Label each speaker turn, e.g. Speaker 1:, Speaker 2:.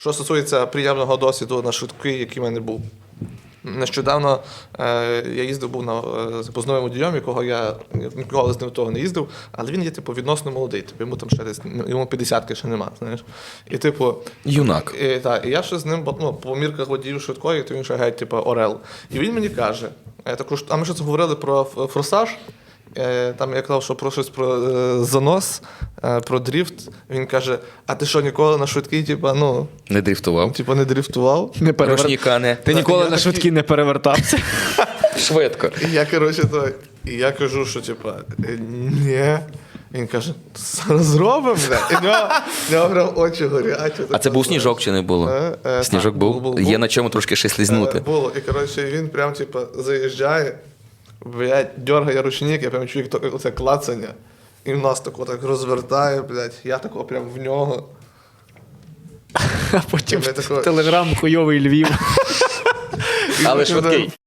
Speaker 1: Що стосується приємного досвіду на швидкий, який в мене був. Нещодавно я був з запознавим водієм, якого я ніколи з ним того не їздив, але він є, відносно молодий. Йому там ще десь, йому 50-ки ще нема, знаєш. І,
Speaker 2: Юнак.
Speaker 1: І я ще з ним, по мірках водіїв швидкої, то він ще геть, орел. І він мені каже, а ми щось говорили про форсаж, там я казав, що про щось про занос, про дріфт. Він каже, а ти що, ніколи на швидкий,
Speaker 2: Не дрифтував.
Speaker 1: не дрифтував?
Speaker 2: Рушніка не.
Speaker 3: Ти ніколи на швидкі не перевертався.
Speaker 2: Швидко.
Speaker 1: І я кажу, що ні. Він каже, зараз зробимо, бля. І в нього прям очі горять.
Speaker 2: А це був сніжок чи не було? Сніжок був? Є на чому трошки ще слізнути.
Speaker 1: Було. І він прям заїжджає, дергає ручник, я прям чую оце клацання. І в нас так розвертає, блядь, я тако прям в нього.
Speaker 3: А потім телеграм хуйовий Львів.
Speaker 2: Але швидкий.